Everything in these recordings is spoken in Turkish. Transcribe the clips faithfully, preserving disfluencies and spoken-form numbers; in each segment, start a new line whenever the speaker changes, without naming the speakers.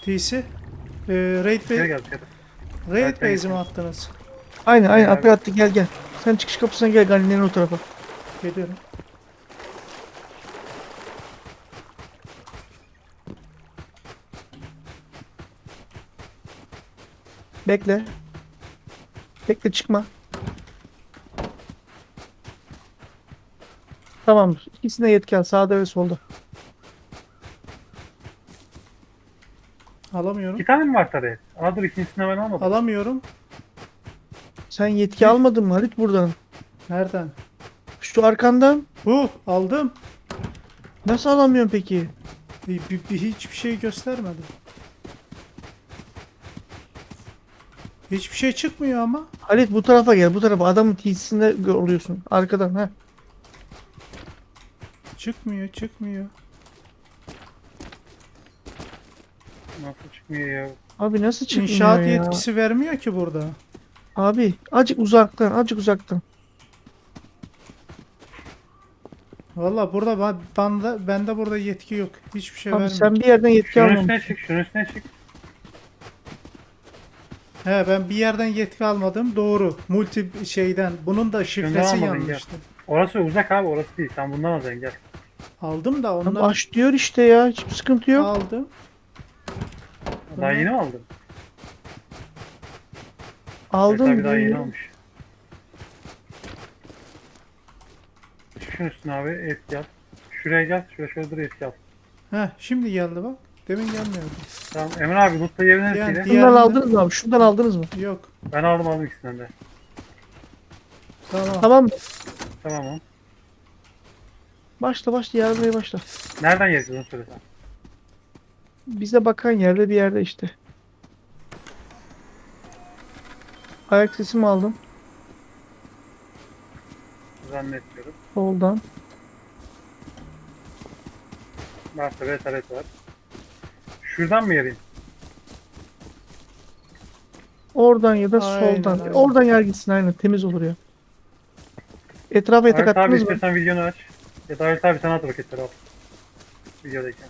P C. Ee, raid
İçeri
be
gel içeri.
raid
Evet,
base'i mi
evet.
attınız?
Aynen aynen
Abi.
Alper attı, gel gel. Sen çıkış kapısına gel, Ganilerin o tarafa.
Geliyorum.
Bekle. Bekle, çıkma. Tamamdır. İkisine yetki al, sağda ve solda.
Alamıyorum.
İki tane mi var tabii? Aa dur ikincisini ben almadım.
Alamıyorum.
Sen yetki
Bir.
almadın mı Halit buradan?
Nereden?
Şu arkandan.
Bu aldım.
Nasıl alamıyorsun peki?
Bir, bir, bir- hiçbir şey göstermedi. Hiçbir şey çıkmıyor ama.
Halit bu tarafa gel, bu tarafa. Adamın T C'sinde oluyorsun. Arkadan ha.
Çıkmıyor, çıkmıyor.
Nasıl çıkmıyor ya?
Abi nasıl çıkmıyor
İnşaat
ya?
yetkisi vermiyor ki burada.
Abi acık uzaktan, acık uzaktan.
Valla burada ben, bende, bende burada yetki yok. Hiçbir şey
Abi
vermiyor.
sen bir yerden yetki
Şunun
almamışsın.
üstüne çık, şunun üstüne çık.
He ben bir yerden yetki almadım. Doğru. Multi şeyden. Bunun da şifresi
almadın,
yanlıştı.
Orası uzak abi, orası değil. Sen bundan alacaksın gel.
Aldım da
Abi
onlar
aç diyor işte ya. Hiçbir sıkıntı yok.
aldım.
Daha
Bunlar-
yeni mi aldın?
Aldın
Evet abi daha yeni
diyor.
almış. Çık şunun üstüne abi, etki al. Şuraya gel, şuraya şöyle dur etki al.
Heh şimdi geldi bak. Demin gelmiyordu.
Tamam Emre abi lootla yerin
Yani
neresiyle?
diğer-
Şundan
Diğerinde-
aldınız mı abi? Şundan aldınız mı?
Yok.
Ben aldım aldım ikisinden de.
Tamam.
Tamam.
Tamam o.
Başla başla, yarmaya başla.
Nereden yiyeceğiz onu söylesen.
Bize bakan yerde bir yerde işte. Ayak sesimi aldım.
Zannetmiyorum.
Soldan.
Varsa retaret var. Şuradan mı yarayım?
Oradan ya da
Aynen,
soldan.
aynen.
Oradan yer gitsin, aynen. Temiz olur ya. Etrafa yatak
Halit abi
attınız mı?
istiyorsan videonu aç. Ya da Halit abi sana at paketleri al. Videodayken.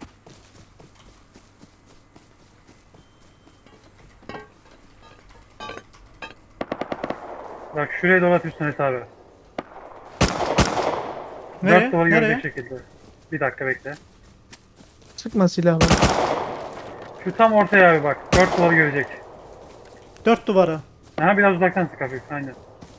Bak şuraya dolatıyorsun Halit abi.
Nereye?
Dört duvarı
Nereye?
görecek şekilde. Bir dakika bekle.
Sıkma silahları.
Şu tam ortaya abi bak. Dört duvarı görecek.
Dört duvara.
Ha biraz uzaktan sık hafif. Aynen.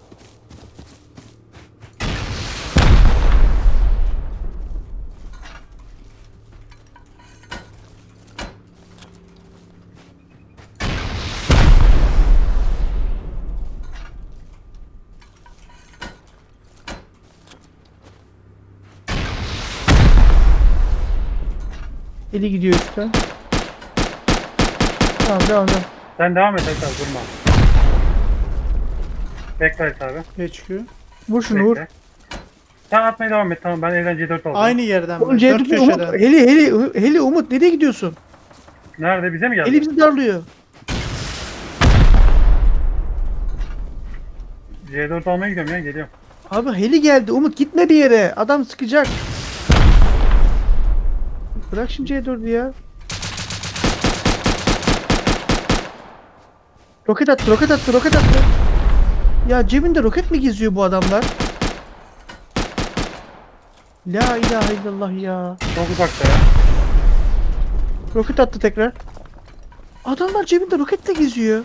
Eli gidiyor üstten. Tamam, devam devam.
Sen devam et Halit abi durma. Bekle Halit abi.
H Q.
Vur şunu, vur.
Bekle. Sen atmaya devam et tamam ben evden C dört aldım.
Aynı yerden
Oğlum
ben.
C
Dört
dört Umut.
köşeden.
Heli heli heli Umut, nereye gidiyorsun?
Nerede bize mi geldi?
Heli bizi darlıyor.
C dört almaya gidiyorum ya geliyorum.
Abi heli geldi Umut, gitme bir yere. Adam sıkacak. Bırak şimdi C dördü ya. Roket attı, roket attı, roket attı. Ya cebinde roket mi geziyor bu adamlar? La ilahe illallah ya.
Çok uzakta ya.
Roket attı tekrar. Adamlar cebinde roketle geziyor.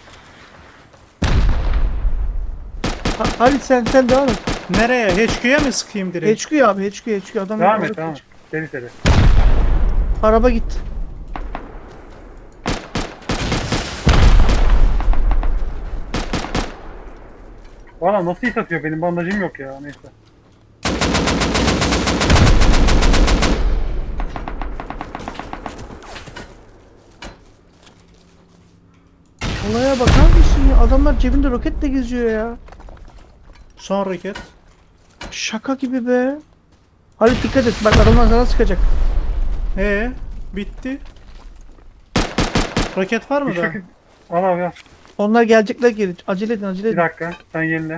Ha, Halit sen sen devam et.
Nereye? H Q'ya mı sıkayım direkt?
H Q abi, H Q, H Q. Adamlar
Devam
orada-
et devam et. Seri seri.
Araba gitti.
Valla nasıl hit atıyor benim bandajım yok ya neyse.
Olaya bakar mısın ya? Adamlar cebinde roketle geziyor ya.
Son roket.
Şaka gibi be. Halit dikkat et. Bak adamlar sana sıkacak.
Ee, bitti. Roket var mı
Bir
da?
şekil... Al abi al.
Onlar gelecekler geri. Acele edin, acele
Bir
edin.
dakika sen yenile.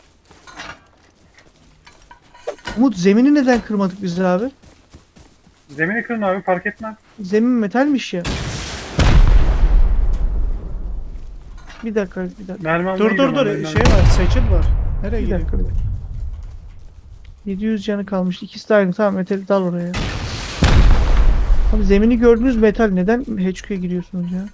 Umut zemini neden kırmadık biz abi?
Zemini kırın abi, fark etmez.
Zemin metalmiş ya. Bir dakika bir dakika.
Mermi almaya
Dur dur
gidiyorum
dur
abi,
şey
mermi-
var, seçil var. Nereye
Bir
gidiyor?
dakika. bir dakika. yedi yüz canı kalmış. İkisi de aynı. Tamam metali dal oraya. Abi zemini gördünüz metal. Neden H Q'ya giriyorsunuz ya?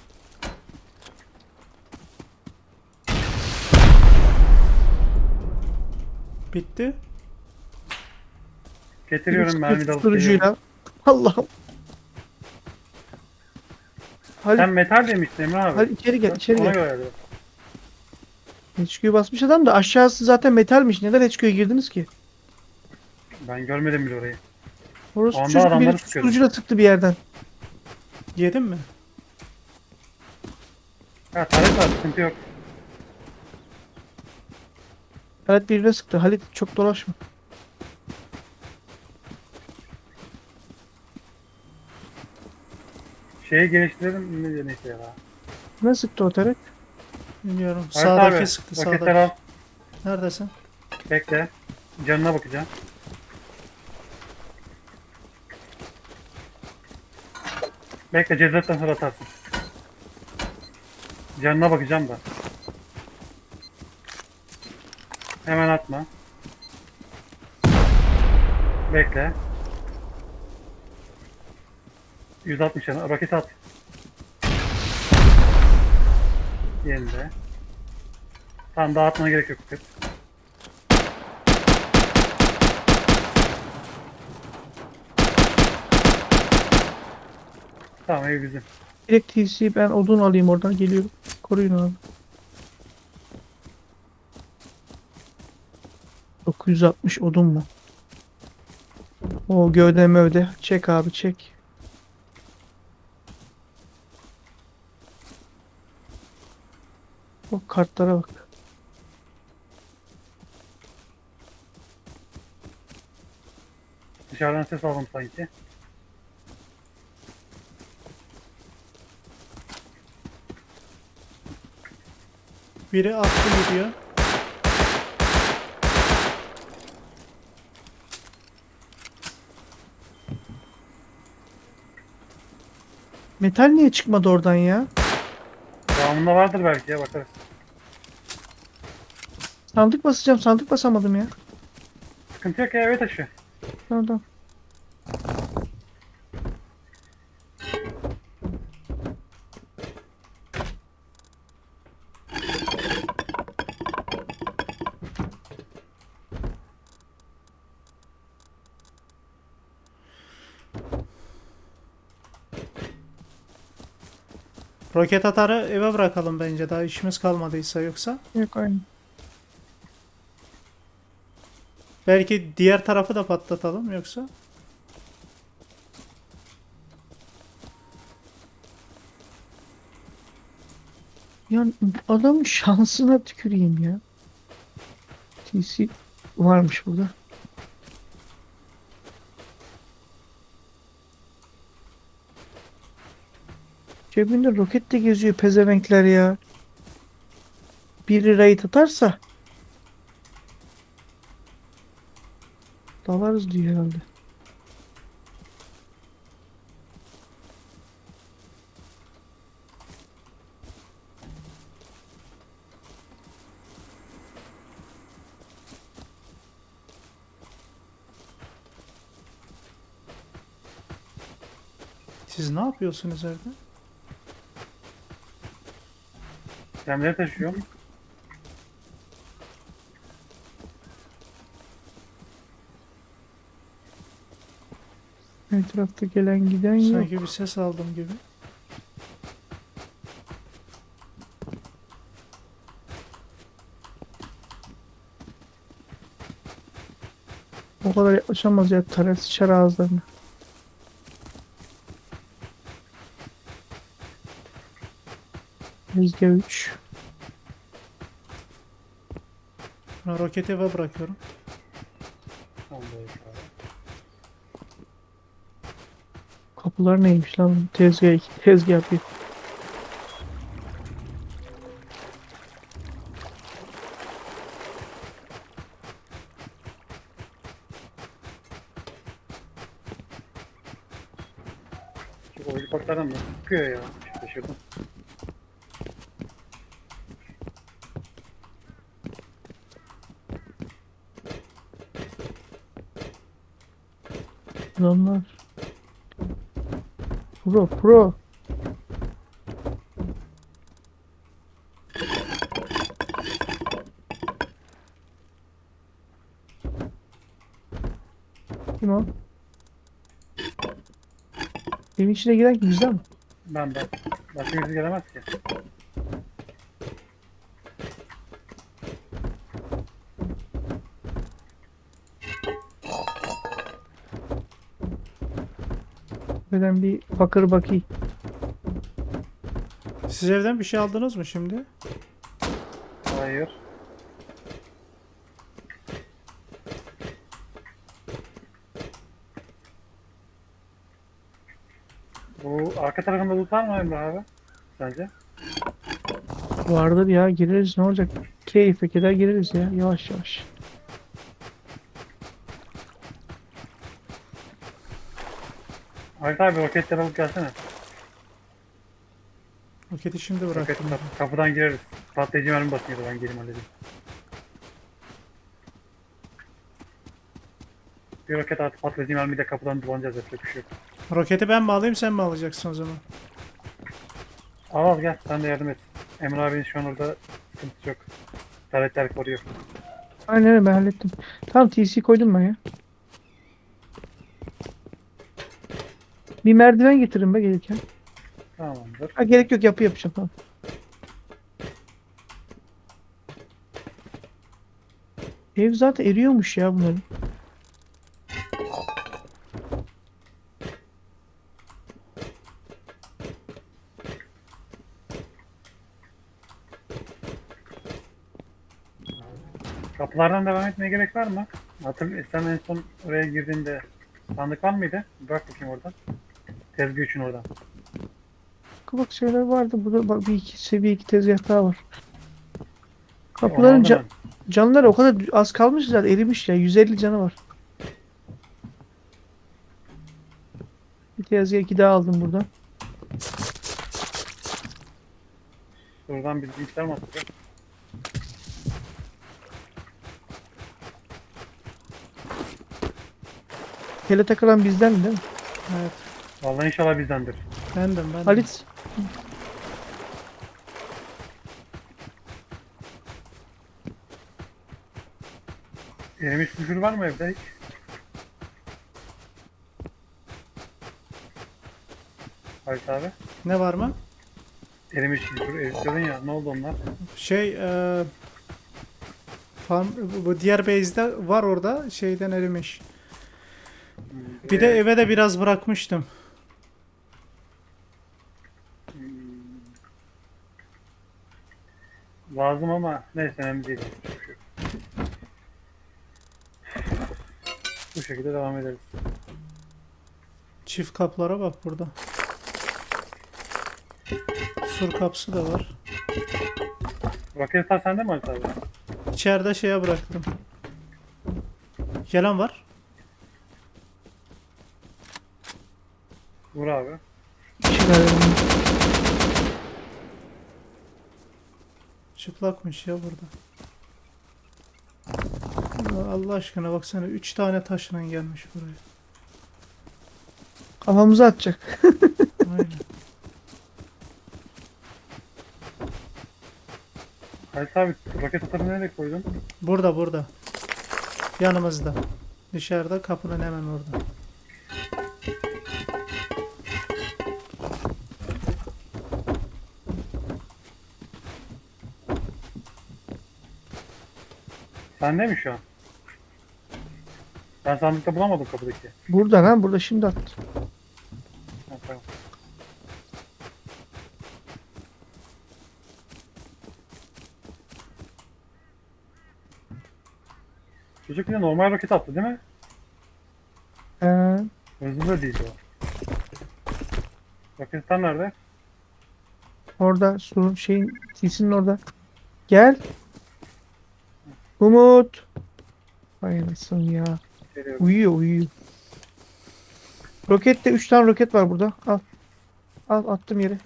Bitti.
Getiriyorum mermi de alıp geliyorum.
Susturucuyla. Allah'ım. Halit,
Sen metal demiştin Emre abi.
Halit içeri gel, içeri
Ona
gel.
göre dedim.
H Q'yu basmış adam da aşağısı zaten metalmiş. Neden H Q'ya girdiniz ki?
Ben görmedim bile orayı.
Orası
Anda
çocuk
adamları
biri
sıkıyordu.
susturucuyla sıktı bir yerden.
Yedin mi?
Ha taret var, sıkıntı yok.
Halit birine sıktı. Halit çok dolaşma.
Şeyi geliştirelim ne diye neyse ya.
Ne sıktı o taret?
Bilmiyorum.
Evet
Sağdaki
abi,
sıktı
roketler
sağdaki.
al.
Neredesin?
Bekle. Canına bakacağım. Bekle, cezaetten sonra atarsın. Canına bakacağım da. Hemen atma. Bekle. yüz altmış canı. Roket at. Yerinde. Tamam, daha atmana gerek yok. Kız. Tamam, ev bizim.
Direkt T C ben odun alayım oradan geliyorum. Koruyun abi. dokuz yüz altmış odun mu? O gövde mövde. Çek abi çek. O kartlara bak.
Dışarıdan ses aldım sanki.
Biri attı gidiyor.
Metal niye çıkmadı oradan ya?
Devamında vardır belki ya, bakarız.
Sandık basacağım. Sandık basamadım ya.
Sıkıntı yok ya, eve taşı.
Tamam tamam.
Roket atarı eve bırakalım bence, daha işimiz kalmadıysa yoksa.
Yok aynı.
Belki diğer tarafı da patlatalım yoksa.
Ya adamın şansına tüküreyim ya. T C varmış burada. Cebinde roket de geziyor pezevenkler ya. Biri raid atarsa dalarız diyor herhalde.
Siz ne yapıyorsunuz evde?
Gemleri taşıyorum.
Etrafta gelen giden yok.
Sanki bir ses aldım gibi.
O kadar yaklaşamaz ya. Taret sıçar ağızlarına. Yüzde üç.
Ben roketi eve bırakıyorum.
Tamam, böyle abi.
Kapılar neymiş lan? Tezgah iki. Tezgah bir.
O helikopterden nasıl sıkıyor ya? Şaşırdım.
Adamlar. Pro pro. Kim o? Evin içine giren kim, bizden mi?
Ben ben. Başka birisi gelemez ki.
Ben bir bakır bakayım.
Siz evden bir şey aldınız mı şimdi?
Hayır. Bu arka tarafında loot var mı Emre abi? Sence?
Vardır ya, gireriz, ne olacak? Keyfe keder gireriz ya, yavaş yavaş.
Halit abi roketleri alıp gelsene.
Roketi şimdi
Roket
bıraktım.
kapı- kapıdan gireriz. Patlayıcı mermi basıyordu, ben gireyim halledeyim. Bir roket artı patlayıcı mermi de kapıdan dolanacağız, yapacak bir şey yok.
Roketi ben mi alayım, sen mi alacaksın o zaman?
Al al gel, sen de yardım et. Emre abinin şu an orada sıkıntısı yok. Taletler koruyor.
Aynen öyle, ben hallettim. Tamam, T C koydum ben ya. Bir merdiven getirin be gelirken.
Tamamdır.
Ha, gerek yok, yapı yapacağım, tamam. Ev zaten eriyormuş ya bunların.
Kapılardan devam etmeye gerek var mı? Hatırlıyor, sen en son oraya girdiğinde sandık var mıydı? Bırak bakayım oradan. Tezgah için oradan.
Bak şeyler vardı burada, bak bir iki seviye iki tezgah daha var.
Onu
Kapıların
aldım
ca- canları o kadar az kalmış ki zaten, erimiş ya, yüz elli canı var. Bir tezgah iki daha aldım buradan.
ben. Oradan bir bilgisayar mı atacak?
Tele takılan bizden değil mi?
Evet.
Vallahi inşallah bizdendir.
Bendim bendim.
Halit.
Erimiş küfür var mı evde hiç? Halit abi.
Ne var mı?
Erimiş küfür, eritiyordun ya. Ne oldu onlar?
Şey e, farm, bu- bu diğer base'de var, orada şeyden erimiş. Bir de
Ee,
eve de biraz bırakmıştım.
lazım ama neyse önemli değil. Hiçbir şey yok. Bu şekilde devam ederiz.
Çift kaplara bak burada. Sur kapısı da var.
Roket sende mi Halit abi?
İçeride şeye bıraktım. Gelen var.
Vur abi.
Çıkarıyorum.
Çıplakmış ya burada. Ya Allah aşkına baksana, üç tane taşla gelmiş buraya.
Kafamıza atacak.
Aynen.
Halit abi roket atarını nereye koydun?
Burada burada. Yanımızda. Dışarıda, kapının hemen orada.
Sende mi şu an? Ben sandıkta bulamadım kapıdaki.
Burada lan, burada şimdi attı.
Ha, tamam. Çocuk bir de normal roket attı değil mi?
Ee,
Hızlı da değildi o. Roketler nerede?
orada sorun şeyin T C'nin orada. Gel. Umut. Hay anasını ya.
Geliyorum.
Uyuyor uyuyor. Rokette üç tane roket var burada. Al. Al attım yere.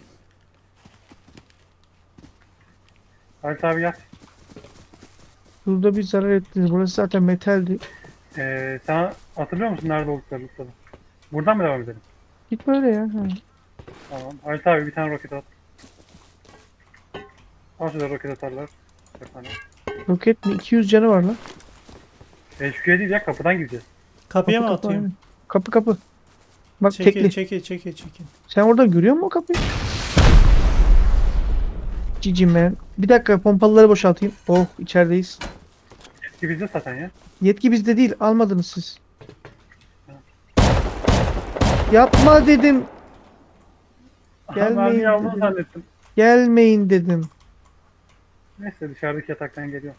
Halit abi gel.
Burada bir zarar ettiniz. Burası zaten metaldi.
Ee, sana hatırlıyor musun nerede olduklarını Mustafa? Buradan mı devam edelim?
Git böyle ya. Ha.
Tamam. Halit abi bir tane roket at. Al şurada roket atarlar. Bir tane.
Roket mi? iki yüz canı var lan.
H Q'ye değil ya kapıdan gireceğiz.
Kapıya
Kapı
mı
kapı,
atayım?
aynen. Kapı kapı. Bak
Çekil
tekli.
çekil çekil çekil.
Sen orada görüyor musun o kapıyı? Cicim ben. Bir dakika pompalıları boşaltayım. Oh içerideyiz.
Ki bizde zaten ya.
Yetki bizde değil. Almadınız siz. Yapma dedim.
Gelmeyin. Ben
Gelmeyin
bir aldığını
dedim.
zannettim.
Gelmeyin dedim.
Neyse dışarıdaki yataktan geliyor.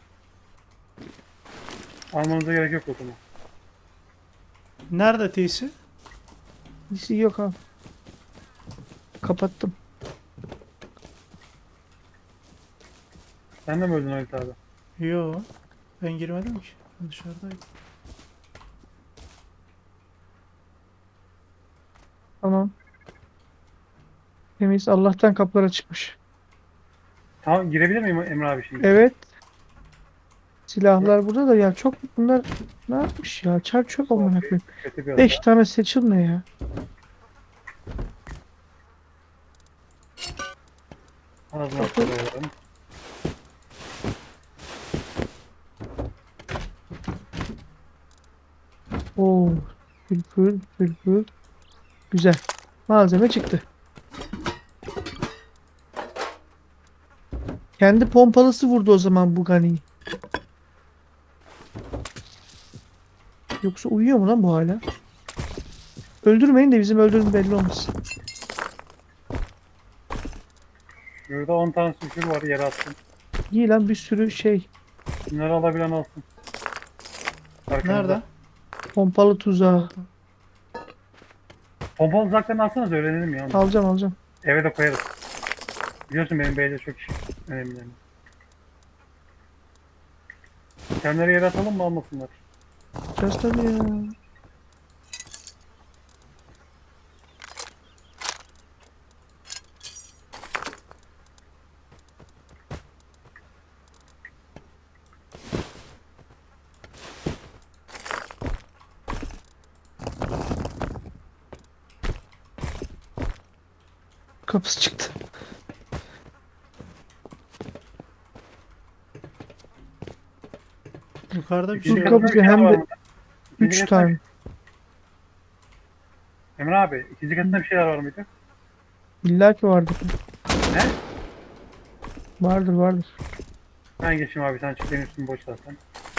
Almanıza gerek yok o zaman.
Nerede teysi?
Birisi yok abi. Kapattım.
Sen de mi öldün Halit abi?
Yo. Ben girmedim ki. Ben dışarıdaydım.
Tamam. Temiz. Allah'tan kapılar açıkmış.
Tamam girebilir miyim Emre abi şimdi?
Evet. Silahlar burada da ya çok bunlar ne yapmış ya? Çar çöp amına
Okey,
koyayım.
kötü bir
beş
adam.
tane seçil ne ya?
Ağzına koyuyorum.
Oo, fülfül fülfül. Güzel. Malzeme çıktı. Kendi pompalısı vurdu o zaman bu Gani'yi. Yoksa uyuyor mu lan bu hala? Öldürmeyin de bizim öldürdüğümüz belli olmasın.
Burada on tane sülfür var yere attım.
İyi lan bir sürü şey.
Bunları alabilen alsın. Arkamızda.
Nerede?
Pompalı tuzağı.
Pompalı uzaklarını alsanız öğrenelim ya.
Alacağım alacağım.
Eve de koyarız. Biliyorsun benim beyde çok iş önemli yani. Kendileri yere atalım mı almasınlar?
Just tabii ya. Kapısı çıktı.
Yukarıda bir
İkinci
şey
Dur,
var.
kapı-
katında bir
hem
şeyler
de-
var mı? İkinci
Üç
katında-
tane.
Emre abi ikinci katında bir şeyler var mıydı?
İlla ki vardır.
Ne?
Vardır vardır.
Ben geçeyim abi sen çık benim üstüm boş zaten.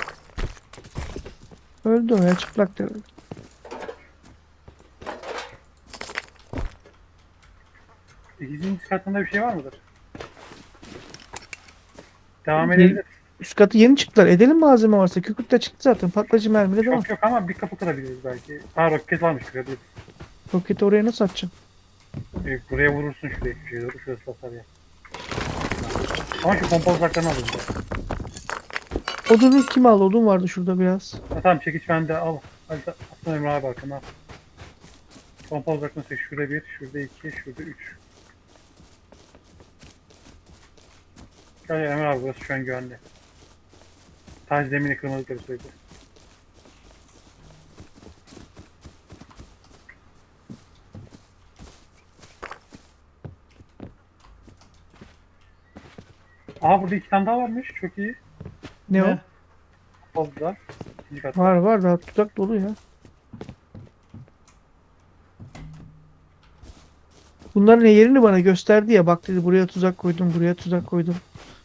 Öldü o ya çıplaktı.
İkinci katında bir şey var mıdır? Devam
Ye-
edebiliriz.
Üst katı yeni çıktılar. Edelim malzeme varsa. Kükürt de çıktı zaten. Patlayıcı mermi de var.
Yok yok ama bir kapı kırabiliriz belki. Ha roket varmış kırabiliriz.
Roketi oraya nasıl atacaksın?
Ee, buraya vurursun şuraya köşeye doğru şurası basar ya. Ama şu pompa uzaklarını alalım. da.
Odunu kim aldı? Odun vardı şurada biraz.
Ha, tamam çekiç bende al. Hadi aslında Emre abi arkana al. Pompa uzaklığını seç. Şurada bir, şurada iki, şurada üç. Gel gel Emre abi burası şu an güvenli. Taş zemini kırmadıkları sürece. Aha burada iki tane daha varmış. Çok iyi.
Ne,
Ne?
Fazla. İkinci kat.
o? Var var daha tuzak dolu ya. Bunların yerini bana gösterdi ya. Bak dedi buraya tuzak koydum, buraya tuzak koydum.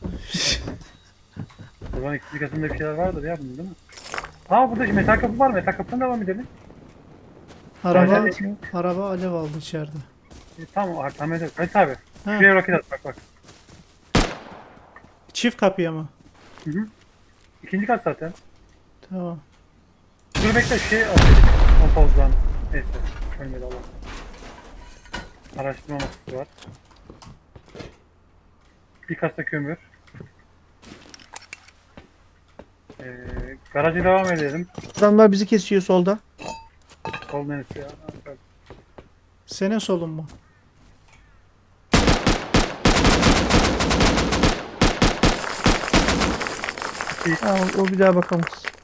O zaman ikinci katında bir şeyler vardır ya bunun değil mi? Aa burada metal kapı var. Metal kapıdan devam edelim.
Araba,
Sadece-
araba alev aldı içeride.
E, tamam artık tamam edelim. Hadi abi.
Ha,
Şuraya roket at bak bak.
çift kapıya mı?
Hı hı. İkinci kat zaten.
Tamam.
Dur bekle şey atayım. Kompozdan. Neyse. Ölmedi Allah. Araştırma masası var. Bir kasa kömür. Ee, garaja devam edelim.
Adamlar bizi kesiyor solda.
Sol neresi ya?
Senin solun mu?
değil.
Ha, o, o bir daha bakamaz.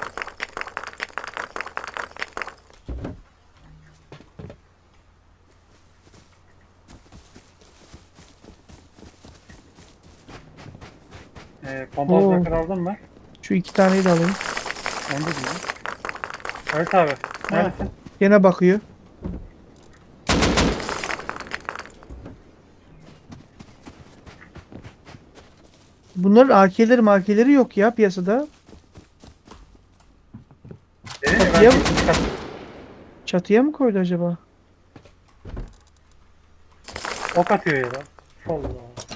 Ee, pompalı
Oo.
zakır aldın mı?
Şu iki taneyi de alayım.
Onu da bilmiyorum. Evet abi. Neredesin?
Gene bakıyor. Bunların A K'leri markeleri yok ya piyasada.
Dedim ya ben
Kapıya mı?
ikinci kat-
Çatıya mı koydu acaba?
ok atıyor ya da. Allah.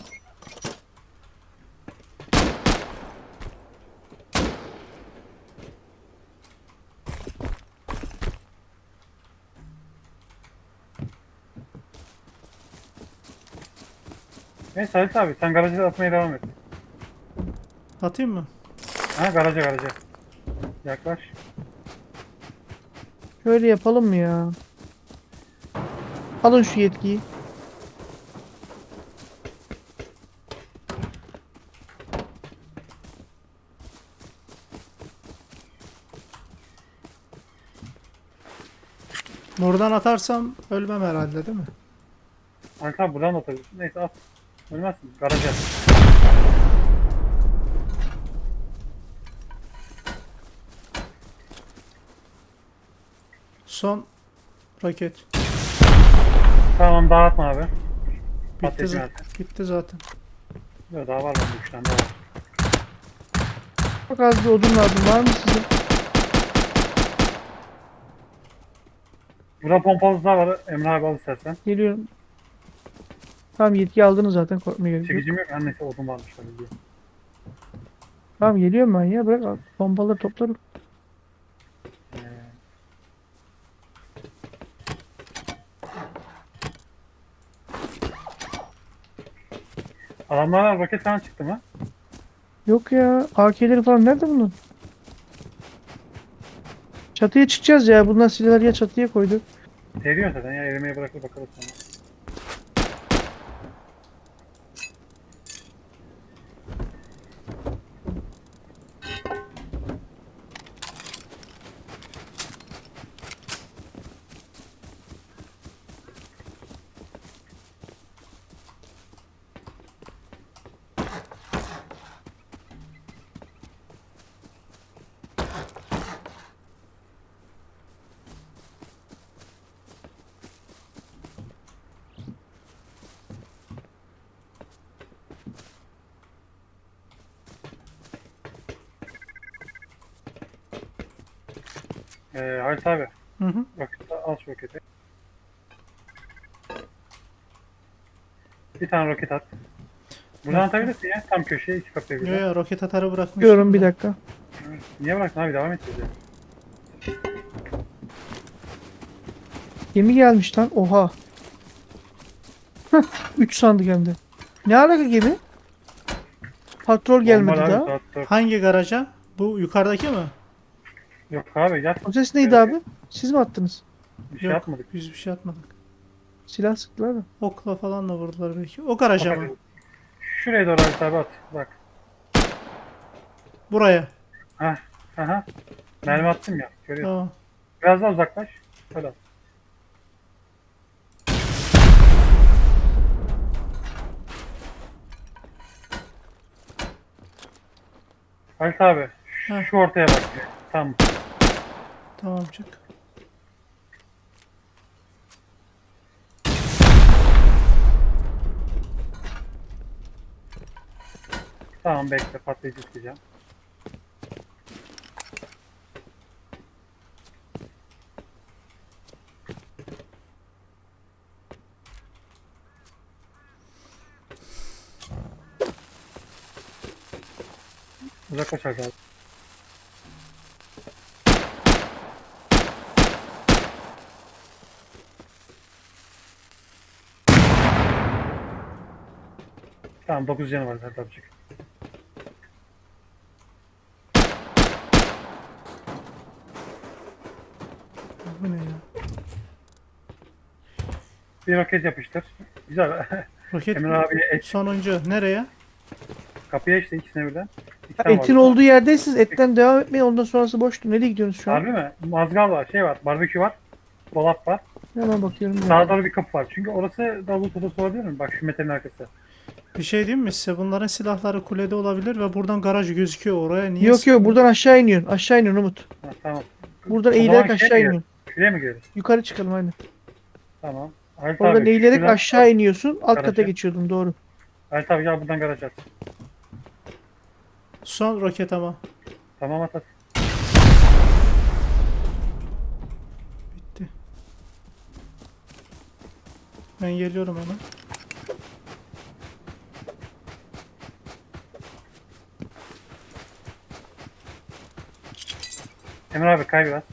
Neyse Halit abi sen garaja atmaya devam et.
Atayım mı?
Ha garaja garaja. Yaklaş.
Şöyle yapalım mı ya? Alın şu yetkiyi.
Buradan atarsam ölmem herhalde değil mi?
Halit abi buradan da atabilirsin. Neyse at. Ölmezsin. Garaja.
Son roket.
Tamam dağıtma abi.
Bitti,
Patlayıcı
za-
zaten.
bitti zaten.
Yok daha var lan üç tane daha var.
Çok az bir odun lazım. Var mı sizin?
Burada pompalı daha var. Emre abi al istersen.
Geliyorum. Tamam yetki aldınız zaten. Korkmaya gerek yok.
Çekicim yok. Annesi odun varmış tabii diye.
Tamam geliyorum ben ya. Bırak al. Pompaları toplarım.
Ee, Adamlara roket falan çıktı mı?
Yok ya. A K'leri falan nerede bunun? Çatıya çıkacağız ya. Bunlar silahları ya çatıya koyduk.
Seriyor zaten ya erimeye bırakır bakarız sonra. Ee, Halit abi
Hı hı.
roket, al şu roketi. Bir tane roket at. Buradan atabilirsin ya tam köşeye iki kapıya
Yo
bir.
yo roket atarı bırakmıştım.
Diyorum bir
da.
dakika.
Niye bıraktın abi devam edeceğiz ya.
Gemi gelmiş lan. Oha. üç sandık hem de. Ne alaka gemi? Patrol gelmedi
Normal abi,
daha.
saat dört.
Hangi garaja? Bu yukarıdaki mi?
Yok abi gel.
O ses neydi abi? Siz mi attınız?
Bir şey
Yok.
yapmadık.
Biz bir şey atmadık.
Silah sıktılar da.
Okla falan da vurdular belki. O garaja mı?
Şuraya doğru Halit abi at. Bak.
Buraya.
Hah. Aha. Mermi attım ya. Görüyorsun.
Tamam.
Biraz daha uzaklaş. Şöyle at. Halit abi. Şu,
Heh.
şu ortaya bak. Tamam.
Tamam çık.
Tamam bekle patlayıcı isteyeceğim. Uzaklaş Halit abi. Tamam dokuz canı var Halit abicik.
Bu ne ya?
Bir roket yapıştır. Güzel.
Roket
Emre abiye et.
sonuncu. Nereye?
Kapıya işte ikisine birden. İki
Ha,
tane
etin
var.
olduğu yerdeysiniz. Etten devam etmeyin. Ondan sonrası boştu. Nereye gidiyorsunuz şu an?
Harbi mi? Mazgal var, şey var, barbekü var, dolap var.
Hemen bakıyorum.
Sağa doğru bir kapı var. Çünkü orası da loot odası olabilir mi? Bak şu metalin arkası.
Bir şey diyeyim mi size? Bunların silahları kulede olabilir ve buradan garaj gözüküyor. Oraya niye
Yok
sıkıyor?
yok buradan aşağı iniyorsun. Aşağı iniyorsun Umut.
Ha, tamam.
Buradan
O zaman
eğilerek
şeye
aşağı
mi girelim?
iniyorsun.
Şuraya mı gidiyoruz?
Yukarı çıkalım aynen.
Tamam. Halit
Oradan
abi,
eğilerek
şuradan-
aşağı iniyorsun. Alt kata
Garaja.
geçiyordun doğru.
Halit abi gel buradan garaj at.
Son roket ama.
Tamam at at.
Bitti. Ben geliyorum ona.
Emre abi kay biraz.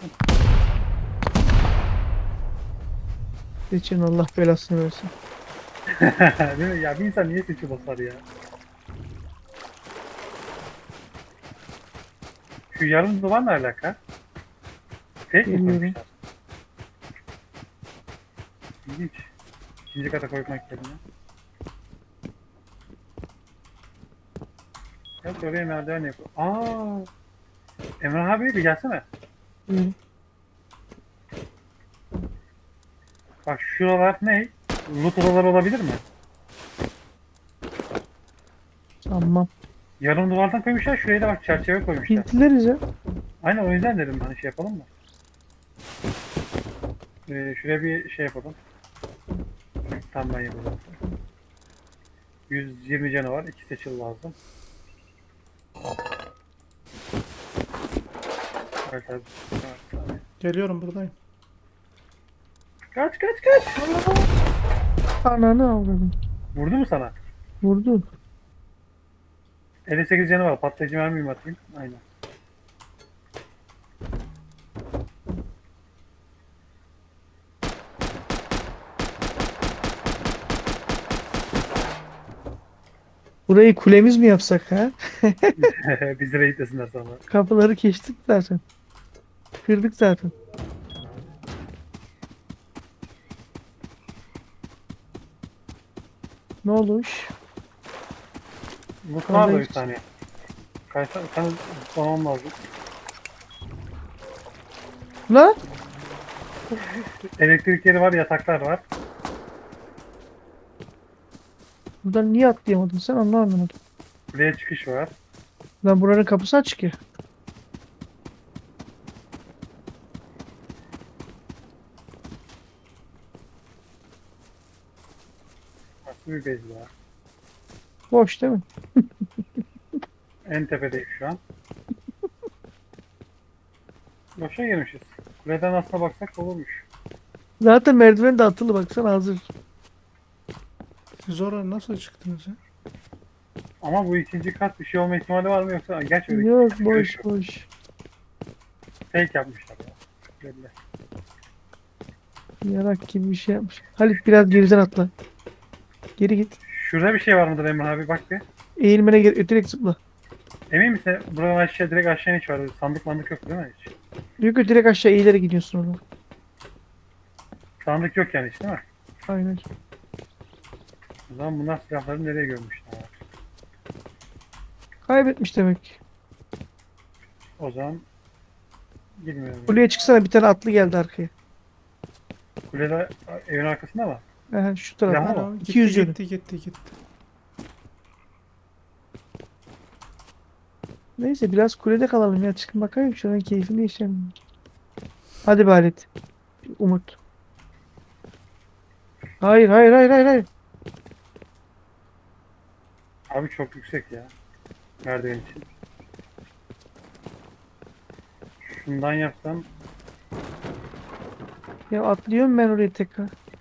Geçin Allah belasını versin.
Değil mi? Ya bir insan niye seçi basar ya? Şu yarım duvar ne alaka? Fake mi
Bilmiyorum.
koymuşlar? İlginç. İkinci kata koymak yerine. Evet oraya merdiven yapıyor. Aa. Emre abi bir gelsene.
Buyurun.
Bak şuralar ne? Loot odaları olabilir mi?
Tamam.
Yarım duvardan koymuşlar. Şuraya da bak çerçeve koymuşlar.
Pintileriz ya.
Aynen o yüzden dedim hani şey yapalım mı? Ee, şuraya bir şey yapalım. Tam ben yapalım. yüz yirmi canı var. iki seçil lazım. Evet, evet. Evet.
Geliyorum buradayım.
Kaç kaç kaç.
Ananı avradım.
Vurdu mu sana?
Vurdu.
elli sekiz canı var. Patlayıcı mermi mi atayım? Aynen.
Burayı kulemiz mi yapsak ha?
Bizi raid desinler sonra.
Kapıları geçtik zaten. Kırdık zaten. Ne olmuş?
Mutfağa da bir
Vallahi-
saniye. Kaysa, sen tutmamam lazım.
Lan?
Elektrik yeri var, yataklar var.
Buradan niye atlayamadın sen onu anlamadım.
Buraya çıkış var.
Lan buranın kapısı açık ya.
Nasıl bir base var?
Boş değil mi?
En tepedeyim şu an. Boşa girmişiz. Kuleden aslına baksak olurmuş.
Zaten merdiven de atılı baksana hazır.
Siz oraya nasıl çıktınız ya?
Ama bu ikinci kat bir şey olma ihtimali var mı yoksa gerçi öyle
Yok
ikinci
boş
kat
boş.
fake yapmışlar ya. Belli.
Yarak gibi bir şey yapmış. Halit biraz geriden atla. Geri git.
Şurada bir şey var mıdır Emre abi bak bir.
Eğilmene gerek direkt zıpla.
Emin misin? Buradan aşağı direkt aşağı hiç var. Sandık mandık yok değil mi hiç?
Yok yok direkt aşağı eğilerek gidiyorsun oradan.
Sandık yok yani hiç değil mi?
Aynen.
O zaman bunlar silahları nereye gömmüşler?
Kaybetmiş demek.
O zaman bilmiyorum.
Kuleye çıksana bir tane atlı geldi arkaya.
Kulede evin arkasında mı?
Aha, şu
Silahlı
tarafa.
mı?
Tamam,
iki yüz
gitti,
yönü.
gitti gitti gitti.
Neyse biraz kulede kalalım ya. Çıkın bakayım şuranın keyfini yaşayalım. Hadi be Halit. Umut. Hayır hayır hayır hayır hayır.
Abi çok yüksek ya. Merdiven için. Şundan yapsam
Ya atlıyorum ben oraya tekrar.